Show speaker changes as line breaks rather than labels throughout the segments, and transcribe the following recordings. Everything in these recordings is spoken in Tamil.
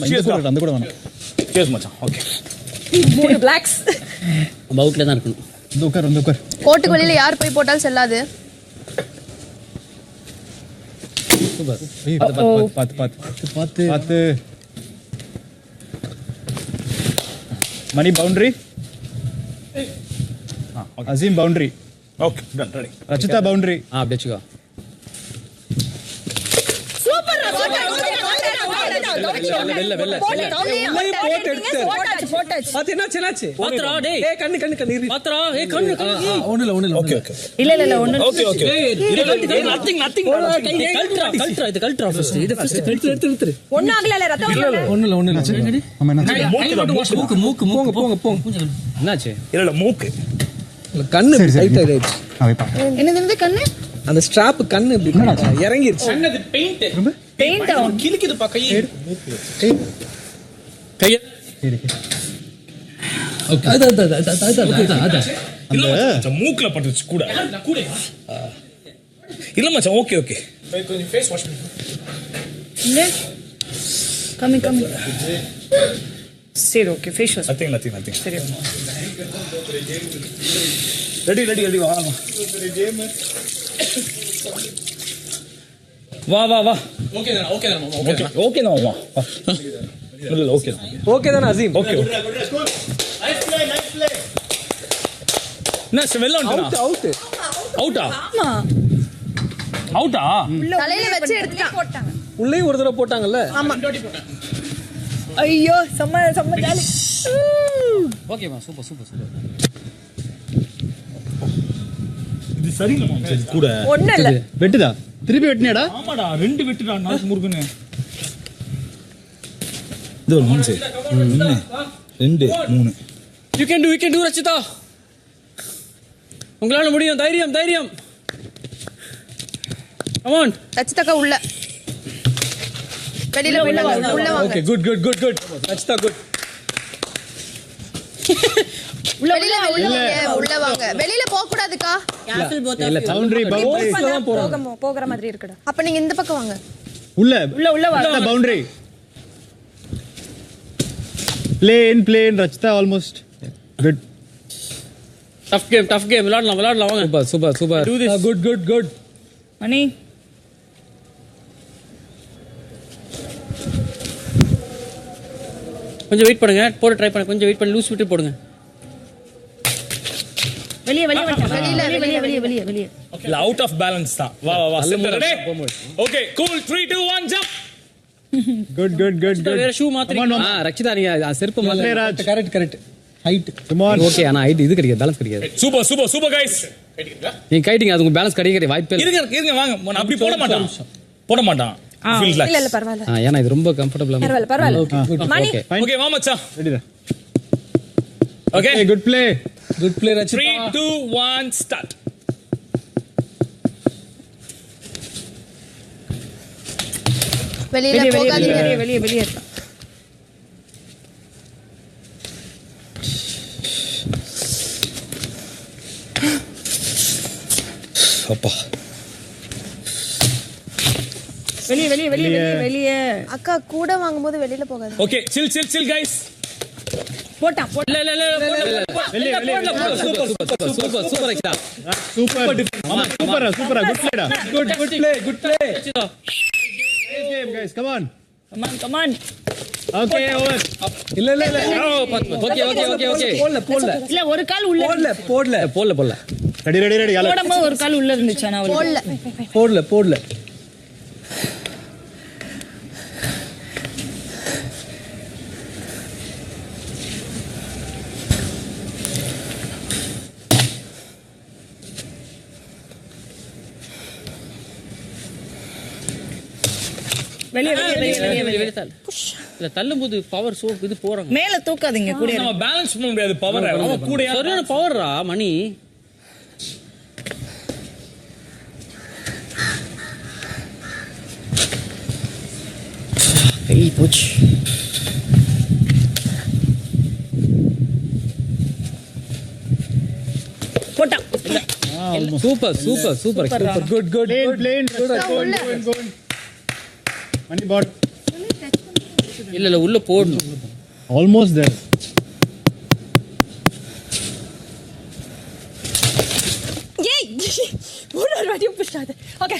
அந்த கூட வேணும்.
சேஸ் மச்சான். ஓகே.
3 பிளாக்ஸ்.
அவுட்ல தான் இருக்கணும்.
இந்த உட்கார்.
கோட்டுக்கு வெளியில யார் போய் போட்டாலும் செல்லாது.
சூப்பர்.
பாத்து. Mani boundary. Azeem boundary.
Okay done ready.
Rachitha boundary.
அப்படியே வெச்சுக்கோ.
சூப்பர்.
வெல்ல.
போட்டாச்சு.
அது என்னாச்சு?
பாத்ரா டேய்.
ஏய் கண்ணு.
பாத்ரா ஏய் கண்ணு.
ஒண்ணுல.
ஓகே.
இல்ல ஒண்ணு.
ஓகே.
நத்திங். கல்ட்ரா இது கல்ட்ரா ஃபர்ஸ்ட். இது ஃபர்ஸ்ட்
எடுத்து.
ஒண்ணு ஆகல ரத்தம் வரல.
ஒண்ணுல.
ஆமா என்னாச்சு?
மூக்கு.
என்னாச்சு?
இல்ல மூக்கு.
கண்ணு டைட் ஆயிடுச்சு.
என்னது கண்ணு?
அந்த ஸ்ட்ராப் கண்ணு இப்படி இறங்கிருச்சு.
கண்ணது பெயிண்ட்
கிளிக்குது பா கை.
கைய ஓகே. அத
இல்ல மச்சான் மூக்குல பட்டுச்சு கூட. இல்ல மச்சான் ஓகே. கொஞ்சம் ஃபேஸ் வாஷ் பண்ணு.
இல்ல கம்மி. சரி ஓகே ஃபேஸ் வாஷ்.
நத்திங்.
சரி.
ரெடி வா. ஓகே தான் வா. இல்ல ஓகே.
ஓகே தான அசீம்?
ஓகே. என்ன வெல்ல வந்துட்டா? அவுட்டா?
ஆமா.
அவுட்டா?
தலையில வச்சு எடுத்துட்டாங்க.
உள்ளே ஒரு தடவை போட்டாங்கல்ல?
ஆமா. ஐயோ செம்ம ஜாலி.
ஓகேமா சூப்பர்.
இது சரியில்லை மாமா இது கூட.
ஒண்ணு இல்ல.
வெட்டுதா? திருப்பி வெட்டினியாடா?
ஆமாடா 2 வெட்டுடா நாக்கு முருகனே. இது ஒரு 3 2 3.
You can do Rachitha. உங்களால முடியும். தைரியம். Come on.
ரச்சிதாக்கா உள்ள. வெளியில உள்ள வாங்க.
Okay good. ரச்சிதா குட்.
உள்ள வாங்க. வெளியில போக கூடாதுக்கா.
பவுண்டரி
போகிற மாதிரி இருக்குடா. அப்ப நீங்க இந்த பக்கம் வாங்க.
உள்ள வாங்க. Boundary. Plain Rachitha almost. Good.
Tough game. விளையாடலாம் வாங்க. Super.
Do this. Good.
Mani
கொஞ்சம் வெயிட் பண்ணுங்க. போட ட்ரை பண்ணு. கொஞ்சம் வெயிட் பண்ணி லூஸ் விட்டு போடுங்க.
வெளிய
இல்ல அவுட் ஆஃப் பேலன்ஸ் தான். வா ready. Okay cool 3 2 1 jump.
Good.
வேற ஷூ மாத்திரீங்க. ரச்சிதா நீங்க செருப்பு மாத்திரீங்க.
Correct. Height.
Come on.
Okay ஆனா ஹைட் இது கிடைக்காது. பேலன்ஸ் கிடைக்காது.
Super guys.
நீங்க கைட்டிங்க அது உங்க பேலன்ஸ் கிடைக்க வாய்ப்பே இல்ல.
இருங்க வாங்க. நான் அப்படி போட மாட்டான். Feel like.
இல்ல பரவாயில்ல.
ஏன்னா இது ரொம்ப கம்ஃபர்ட்டபிளா
பரவாயில்ல. மணி
ஓகே வா மச்சான்.
ரெடிடா.
Okay
good play
Rachitha. 3 2 1 start.
வெளியில போகாதீங்க.
வெளியே
அப்பா
வெளியே
அக்கா கூட வாங்கும்போது வெளியில போகாது.
Okay chill guys.
போட்டான்
சூப்பர் ரச்சிதா.
சூப்பரா good play. Game guys come on. Okay over.
இல்ல
ஓகே
போடல
இல்ல ஒரு கால் உள்ள
போடல.
ரெடி
போடும்போது ஒரு கால் உள்ள இருந்துச்சு. ஆனா
போடல
வெளியே தள்ளும்போது பவர் சோ இது போறாங்க.
மேல தூக்காதீங்க. கூட
நம்ம பேலன்ஸ் பண்ண முடியாது பவர். அவ கூட
சரியான பவர்ரா மணி.
ஏய் போச்சு.
போட்டான்.
Super
good play. மணி பாட்
இல்ல உள்ள போடணும்.
Almost there.
ஏய் ஒரு வாட்டி புஷ்டாத okay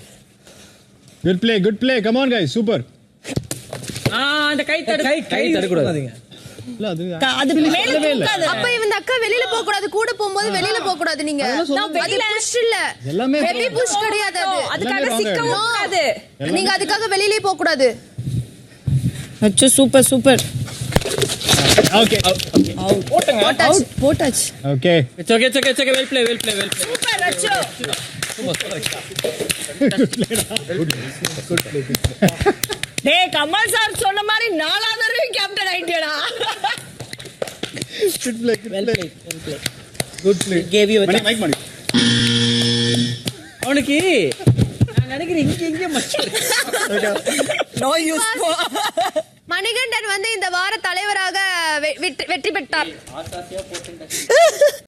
Good play. Come on, guys. Super.
அந்த கை தடு
கை தரக்கூடாது.
இல்ல அது
அது மேல தூக்காத.
அப்ப இந்த அக்கா வெளியில போக கூடாது, கூட போகும்போது வெளியில போக கூடாது. நீங்க நான் வெளியில புஷ் இல்ல,
எல்லாமே
ஹெவி புஷ் கிடையாது அது.
அதுக்காக சிக்கவும் கூடாது.
நீங்க அதுக்காக வெளியில போக கூடாது.
அச்சோ சூப்பர் சூப்பர்.
Okay.
போட்டாச்சு.
Okay.
It's okay. Well play.
Super அச்சோ. டேய் கமல் சார் சொன்ன மாதிரி நாலாவது தடவை கேப்டன் ஆயிட்டேடா.
Good play.
Good play.
Gave you a
Mani,
chance.
mic Mani.
அவனுக்கு நான் நினைக்கிறேன் இங்க மச்சான்.
No use.
மணிகண்டன் வந்து இந்த வார தலைவராக வெற்றி பெற்றார்.